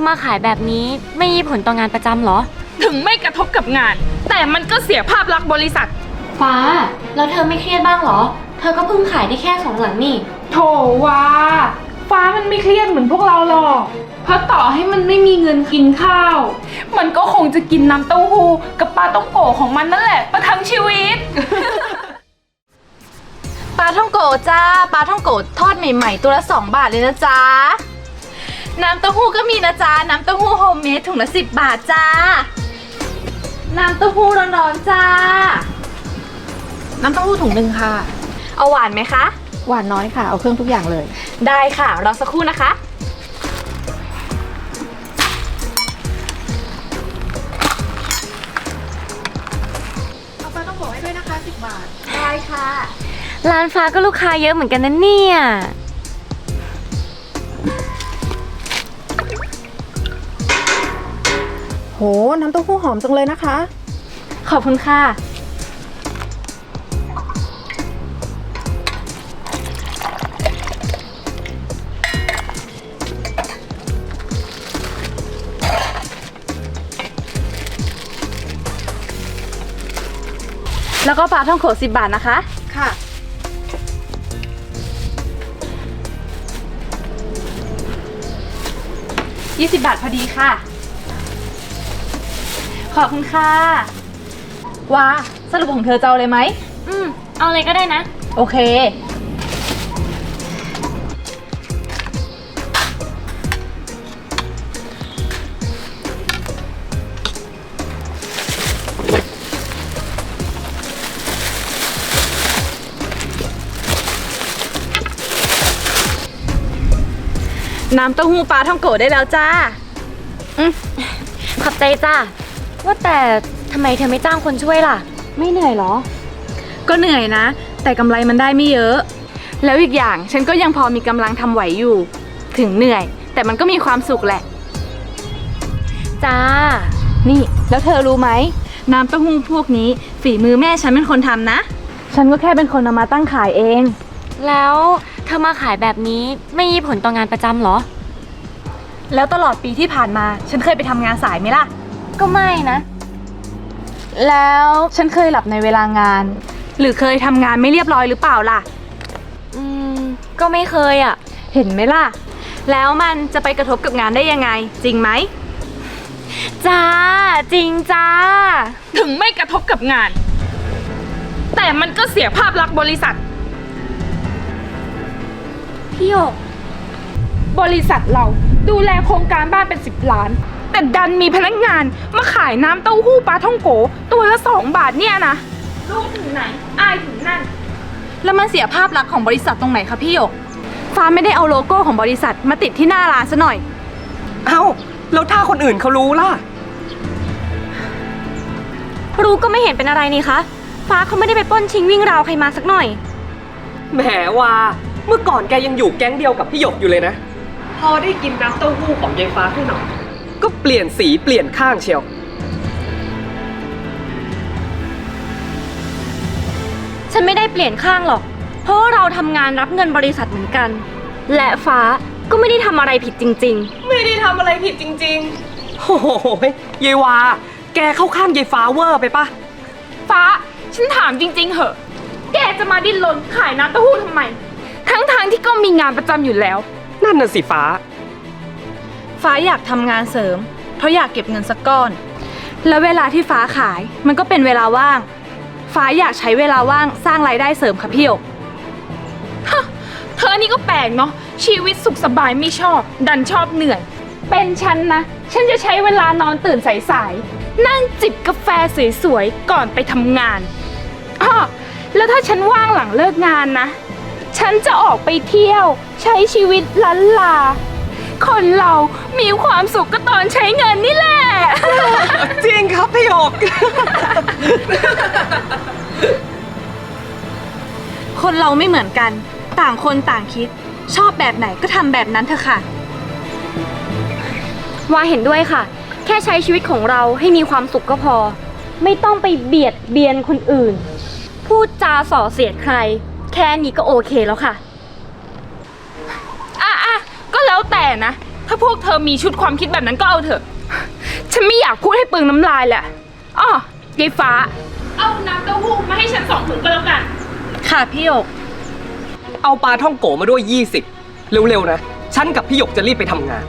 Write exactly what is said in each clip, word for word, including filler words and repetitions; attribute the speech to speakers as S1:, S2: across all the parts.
S1: อมาขายแบบนี้ไม่มีผลต่องานประจำเหรอ
S2: ถึงไม่กระทบกับงานแต่มันก็เสียภาพลักษณ์บริษัท
S1: ฟ้าแล้วเธอไม่เครียดบ้างเหรอเธอก็เพิ่งขายได้แค่สองหลังนี่
S2: โถว่าฟ้ามันไม่เครียดเหมือนพวกเราหรอกเพราะต่อให้มันไม่มีเงินกินข้าวมันก็คงจะกินน้ำเต้าหู้กับปลาต้องโกะของมันนั่นแหละประทังชีวิต
S3: ปลาท่องโกะจ้าปลาท่องโกะทอดใหม่ๆตัวละสองบาทเลยนะจ๊ะน้ำเต้าหู้ก็มีนะจ๊ะน้ำเต้าหู้โฮมเมดถุงละสิบบาทจ้าน้ำเต้าหู้ร้อนๆจ้า
S4: น้ำเต้าหู้ถุงหนึ่งค่ะ
S3: เอาหวานไหมคะ
S4: หวานน้อยค่ะเอาเครื่องทุกอย่างเลย
S3: ได้ค่ะรอสักครู่นะคะ
S4: เอาปลาต้องโกะให้ด้วยนะคะสิบบาท
S3: ได้ค่ะ
S1: ร้านฟ้าก็ลูกค้าเยอะเหมือนกันนะเนี่ย
S4: โหน้ำเต้าหู้หอมจังเลยนะคะ
S3: ขอบคุณค่ะแล้วก็ปลาท่องโกะสิบบาทนะคะ
S4: ค่ะ
S3: ยี่สิบบาทพอดีค่ะขอบคุณค่ะว้าสรุปของเธอจะเอาเลยไหม
S1: อืมเอาเลยก็ได้นะ
S3: โอเคน้ำเต้าหู้ปลาท่องโกะได้แล้วจ้า
S1: อืมขอบใจจ้าว่าแต่ทำไมเธอไม่จ้างคนช่วยล่ะไม่เหนื่อยหรอ
S3: ก็เหนื่อยนะแต่กำไรมันได้ไม่เยอะแล้วอีกอย่างฉันก็ยังพอมีกำลังทำไหวอยู่ถึงเหนื่อยแต่มันก็มีความสุขแหละ
S1: จ้า
S3: นี่แล้วเธอรู้ไหมน้ำเต้าหู้พวกนี้ฝีมือแม่ฉันเป็นคนทำนะฉันก็แค่เป็นคนเอามาตั้งขายเอง
S1: แล้วเธอมาขายแบบนี้ไม่มีผลต่องานประจำเหรอ
S3: แล้วตลอดปีที่ผ่านมาฉันเคยไปทำงานสายไหมล่ะ
S1: ก็ไม่นะ
S3: แล้วฉันเคยหลับในเวลางานหรือเคยทำงานไม่เรียบร้อยหรือเปล่าล่ะ
S1: อืมก็ไม่เคยอ่ะ
S3: เห็นไหมล่ะแล้วมันจะไปกระทบกับงานได้ยังไงจริงไหม
S1: จ้าจริงจ้า
S2: ถึงไม่กระทบกับงานแต่มันก็เสียภาพลักษณ์บริษัท
S1: พี่หยก
S2: บริษัทเราดูแลโครงการบ้านเป็นสิบล้านแต่ดันมีพนักงานมาขายน้ำเต้าหู้ปลาท่องโกตัวละสองบาทเนี่ยนะรู้ถึงไหนอายถึงนั่น
S3: แล้วมันเสียภาพลักษณ์ของบริษัทตรงไหนคะพี่หยกฟ้าไม่ได้เอาโลโก้ของบริษัทมาติดที่หน้าร้านซะหน่อย
S5: เอ้าแล้วถ้าคนอื่นเขารู้ล่ะ
S1: รู้ก็ไม่เห็นเป็นอะไรนี่คะฟ้าเขาไม่ได้ไปปล้นชิงวิ่งราวใครมาสักหน่อย
S5: แหมว่าเมื่อก่อนแกยังอยู่แก๊งเดียวกับพี่หยกอยู่เลยนะพอได้กินน้ำเต้าหู้ของยายฟ้าขึ้นหน่อยก็เปลี่ยนสีเปลี่ยนข้างเชียว
S1: ฉันไม่ได้เปลี่ยนข้างหรอกเพราะว่าเราทำงานรับเงินบริษัทเหมือนกันและฟ้าก็ไม่ได้ทำอะไรผิดจริง
S5: ๆไม่ได้ทำอะไรผิดจริงๆโอ้โหยายวาแกเข้าข้างยายฟ้าเวอร์ไปปะ
S2: ฟ้าฉันถามจริงๆเหอะแกจะมาดิ้นรนขายน้ำเต้าหู้ทำไมทั้งๆ ท, ที่ก็มีงานประจำอยู่แล้ว
S5: นั่นน่ะสิฟ้า
S3: ฟ้าอยากทำงานเสริมเพราะอยากเก็บเงินสักก้อนแล้วเวลาที่ฟ้าขายมันก็เป็นเวลาว่างฟ้าอยากใช้เวลาว่างสร้างรายได้เสริมค่ะพี่หยก
S2: เธอนี่ก็แปลกเนาะชีวิตสุขสบายไม่ชอบดันชอบเหนื่อยเป็นฉันนะฉันจะใช้เวลานอนตื่นสายๆนั่งจิบกาแฟสวยๆก่อนไปทำงานอ้อแล้วถ้าฉันว่างหลังเลิกงานนะฉันจะออกไปเที่ยวใช้ชีวิตล้านลาคนเรามีความสุขก็ตอนใช้เงินนี่แหละ
S5: จริงครับพี่หยก
S3: คนเราไม่เหมือนกันต่างคนต่างคิดชอบแบบไหนก็ทำแบบนั้นเถอะค่ะ
S1: ว่าเห็นด้วยค่ะแค่ใช้ชีวิตของเราให้มีความสุขก็พอไม่ต้องไปเบียดเบียนคนอื่นพูดจาส่อเสียดใครแค่นี้ก็โอเคแล้วค่ะ
S2: อ่ะอ่ะก็แล้วแต่นะถ้าพวกเธอมีชุดความคิดแบบนั้นก็เอาเถอะ ฉันไม่อยากพูดให้เปลืองน้ำลายแหละอ้อยายฟ้า เอาน้ำเต้าหู้มาให้ฉันสองถุงก็แล้วกัน
S3: ค่ะพี่หยก
S5: เอาปลาท่องโกมาด้วยยี่สิบเร็วๆนะ ฉันกับพี่หยกจะรีบไปทำงาน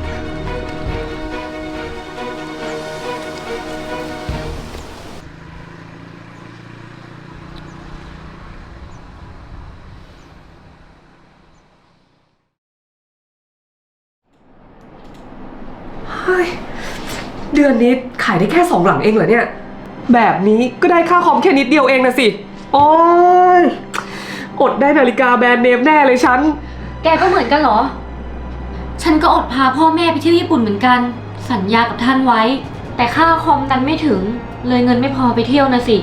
S5: เฮ้ย เดือนนี้ขายได้แค่สองหลังเองเหรอเนี่ย แบบนี้ก็ได้ค่าคอมแค่นิดเดียวเองนะสิ โอ้ยอดได้นาฬิกาแบรนด์เนมแน่เลยฉัน
S1: แกก็เหมือนกันเหรอ ฉันก็อดพาพ่อแม่ไปเที่ยวญี่ปุ่นเหมือนกัน สัญญากับท่านไว้ แต่ค่าคอมดันไม่ถึง เลยเงินไม่พอไปเที่ยวนะสิ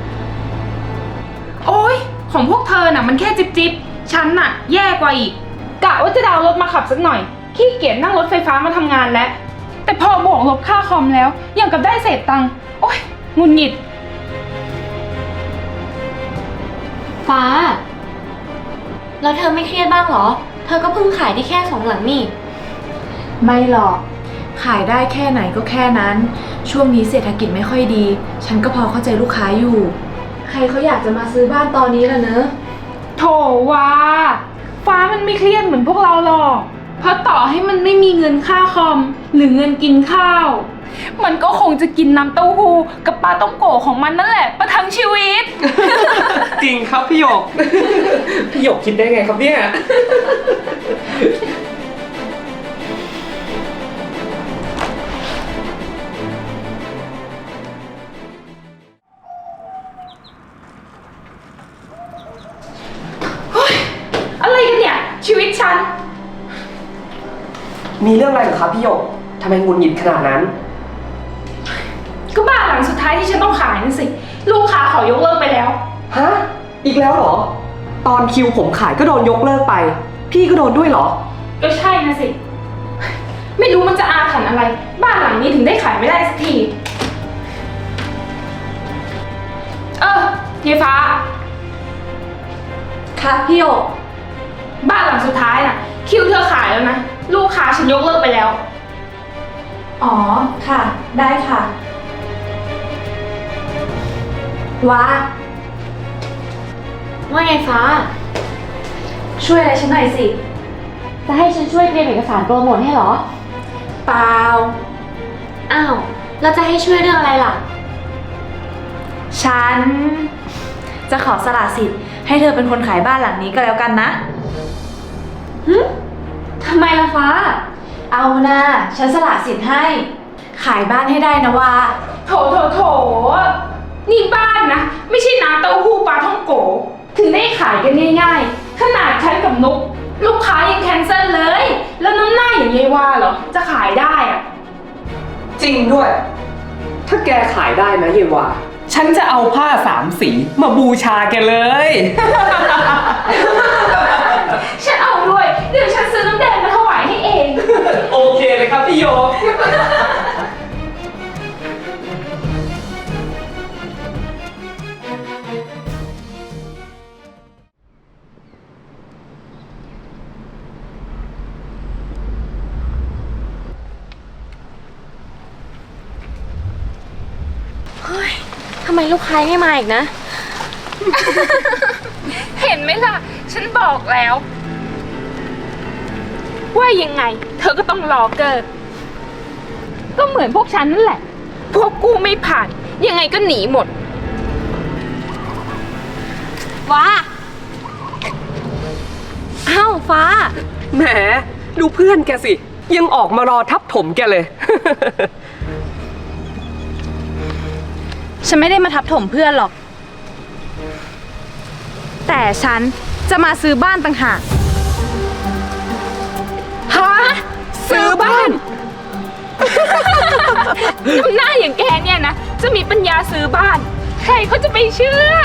S2: โอ๊ย ของพวกเธอน่ะมันแค่จิบจิบฉันน่ะแย่กว่าอีก กะว่าจะดาวน์รถมาขับสักหน่อย ขี้เกียจนั่งรถไฟฟ้ามาทำงานแล้ว แต่พอบวกลบค่าคอมแล้วยังกับได้เศษตังค์ โอ๊ยหงุดหงิด
S1: ฟ้า แล้วเธอไม่เครียดบ้างเหรอ เธอก็เพิ่งขายได้แค่สองหลังนี่
S4: ไม่หรอก ขายได้แค่ไหนก็แค่นั้น ช่วงนี้เศรษฐกิจไม่ค่อยดี ฉันก็พอเข้าใจลูกค้าอยู่ ใครเขาอยากจะมาซื้อบ้านตอนนี้ล่ะเนอะ
S2: โถว่าฟ้ามันไม่เครียดเหมือนพวกเราหรอก เพราะต่อให้มันไม่มีเงินค่าคอม หรือเงินกินข้าว มันก็คงจะกินน้ำเต้าหู้กับปลาต้องโกะของมันนั่นแหละประทังชีวิต
S5: จริงครับพี่หยก พี่หยกคิดได้ไงครับเนี่ย
S2: อะไรกันเนี่ย ชีวิตฉัน
S5: มีเรื่องอะไรเหรอครับพี่หยกทำไมหงุดหงิดขนาดนั้น
S2: ก็บ้านหลังสุดท้ายที่ฉันต้องขายนั่นสิ ลูกค้าขอยกเลิกไปแล้ว
S5: ฮะ อีกแล้วเหรอ ตอนคิวผมขายก็โดนยกเลิกไป พี่ก็โดนด้วยเหรอ
S2: ก็ใช่นะสิ ไม่รู้มันจะอาถรรพ์อะไร บ้านหลังนี้ถึงได้ขายไม่ได้สักที เออยายฟ้า
S3: ค่ะพี่หยก
S2: บ้านหลังสุดท้ายน่ะ คิวเธอขายแล้วนะ ลูกค้าฉันยกเลิกไปแล้ว
S3: อ๋อ ค่ะ ได้ค่ะว้า
S1: ว่าไงฟ้า
S3: ช่วยอะไรฉันหน่อยสิ
S1: จะให้ฉันช่วยเตรียมเอกสารโปรโมทให้เหรอ
S3: เปล่า
S1: อ้าว แล้วจะให้ช่วยเรื่องอะไรล่ะ
S3: ฉัน จะขอสละสิทธิ์ให้เธอเป็นคนขายบ้านหลังนี้ก็แล้วกันนะ
S1: หึทำไมล่ะฟ้า
S3: เอานะฉันสละสิทธิ์ให้ ขายบ้านให้ได้นะว่า
S2: โถโถโถนี่บ้านนะ ไม่ใช่น้ำเต้าหู้ปลาท่องโก ถึงได้ขายกันง่ายๆ ขนาดฉันกับนุก ลูกค้ายังแคนเซิลเลย แล้วน้ำหน้าอย่างยายว่าเหรอ จะขายได้อะ
S5: จริงด้วย ถ้าแกขายได้นะเยวาฉันจะเอาผ้าสามสีมาบูชาแกเลย
S2: ฉันเอาด้วย เดี๋ยวฉันซื้อน้ำแดงมาถวายให้เอง
S5: โอเคเลยครับพี่โยก
S1: ทำไมลูกค้าไม่มาอีกนะ
S2: เห็นไหมล่ะ ฉันบอกแล้ว ว่ายังไง เธอก็ต้องรอเกิด ก็เหมือนพวกฉันนั่นแหละ พวกกูไม่ผ่าน ยังไงก็หนีหมด
S1: ฟ้า อ้าวฟ้า
S5: แหม ดูเพื่อนแกสิ ยังออกมารอทับถมแกเลย
S3: ฉันไม่ได้มาทับถมเพื่อนหรอก แต่ฉันจะมาซื้อบ้านต่างหาก
S5: ฮะ ซื้อบ้าน
S2: ทำหน้าอย่างแกเนี่ยนะ จะมีปัญญาซื้อบ้าน ใครเขาจะไปเชื่อ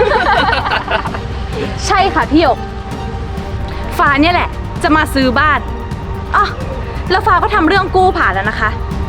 S3: ใช่ค่ะพี่หยก ฟ้าเนี่ยแหละ จะมาซื้อบ้านอ๋อแล้วฟ้าก็ทำเรื่องกู้ผ่านแล้วนะคะ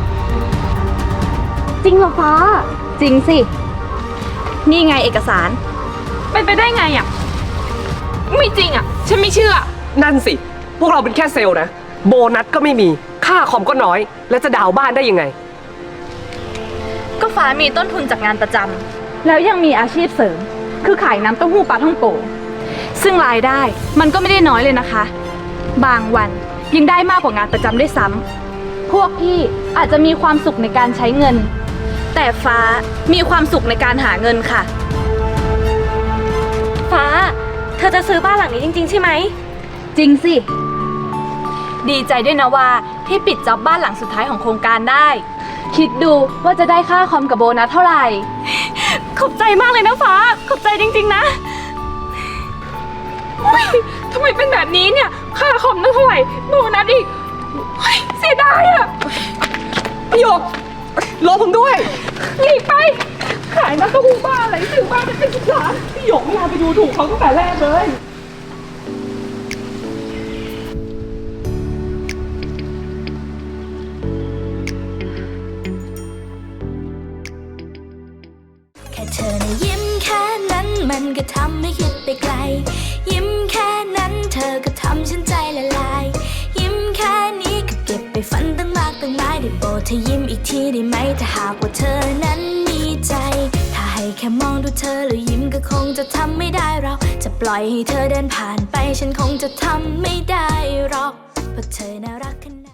S1: จริงเหรอฟ้า
S3: จริงสิ นี่ไงเอกสาร
S2: เป็นไปได้ไงอ่ะ ไม่จริงอ่ะ ฉันไม่เชื่อ
S5: นั่นสิ พวกเราเป็นแค่เซลล์นะโบนัสก็ไม่มีค่าคอมก็น้อย แล้วจะดาวน์บ้านได้ยังไง
S3: ก็ฟ้ามีต้นทุนจากงานประจำแล้วยังมีอาชีพเสริม คือขายน้ำเต้าหู้ปลาท่องโกซึ่งรายได้มันก็ไม่ได้น้อยเลยนะคะ บางวันยังได้มากกว่างานประจำด้วยซ้ำพวกพี่อาจจะมีความสุขในการใช้เงิน แต่ฟ้ามีความสุขในการหาเงินค่ะ
S1: ฟ้า เธอจะซื้อบ้านหลังนี้จริงๆใช่ไหม
S3: จริงสิ ดีใจด้วยนะว่าที่ปิดจ็อบบ้านหลังสุดท้ายของโครงการได้ คิดดูว่าจะได้ค่าคอมกับโบนัสเท่าไหร่
S1: ขอบใจมากเลยนะฟ้า ขอบใจจริงๆนะ
S2: ทำไมเป็นแบบนี้เนี่ย ค่าคอมตั้งเท่าไหร่โบนัสอีกเฮ้ยเสียดายอะ
S5: พี่หยกรอผมด้วย
S2: หนีไป ขายน้ำเต้าหู้บ้าอะไรซื้อบ้านเป็นสิบล้าน
S5: พี่หยกไม่น่าไปดูถูกเขาตั้งแต่แรกเลย
S6: แค่เธอนะยิ้มแค่นั้นมันก็ทำให้คิดไปไกล ยิ้มแค่นั้นเธอก็ทำฉันใจละลาย ยิ้มแค่นี้ก็เก็บไปฝันตั้งมากตั้งหลายได้โปรดเธอยิ้มอีกทีได้ไหมถ้าหากว่าเธอนั้นมีใจ ถ้าให้แค่มองดูเธอแล้วยิ้มก็คงจะทำไม่ได้เราจะปล่อยให้เธอเดินผ่านไปฉันคงจะทำไม่ได้หรอกเพราะเธอน่ารักขนาด